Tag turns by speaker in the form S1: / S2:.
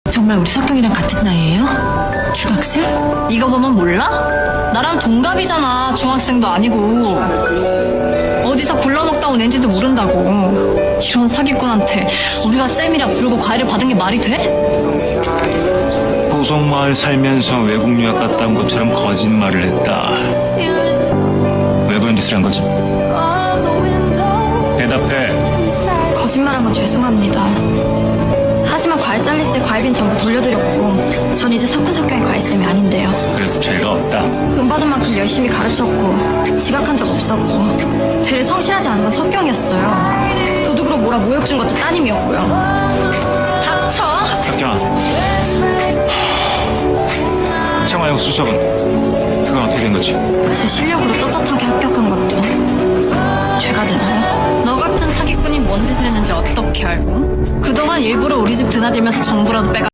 S1: 정말 우리 석경이랑 같은 나이예요? 중학생?
S2: 이거 보면 몰라? 나랑 동갑이잖아. 중학생도 아니고. 어디서 굴러먹다 온 앤지도 모른다고. 이런 사기꾼한테 우리가 쌤이라 부르고 과외를 받은 게 말이 돼?
S3: 보성마을 살면서 외국 유학 갔다 온 것처럼 거짓말을 했다. 왜 그런 짓을 한 거지? 대답해.
S2: 거짓말한 건 죄송합니다. 하지만 과외 잘릴 때 과외비는 전부 돌려드렸고 전 이제 석훈석경의 과외쌤이 아닌데요.
S3: 그래서 죄가 없다.
S2: 돈 받은 만큼 열심히 가르쳤고 지각한 적 없었고 되레 성실하지 않은 건 석경이었어요. 도둑으로 몰아 모욕 준 것도 따님이었고요. 닥쳐!
S3: 석경아. 청아용 수석은 그건 어떻게 된 거지?
S2: 제 실력으로 떳떳하게 합격한 것도 죄가 되나요? 너 같은 사기꾼이 뭔 짓을 했는지 어떻게 알고? 그동안 일부러 우리 집 드나들면서 정보라도 빼가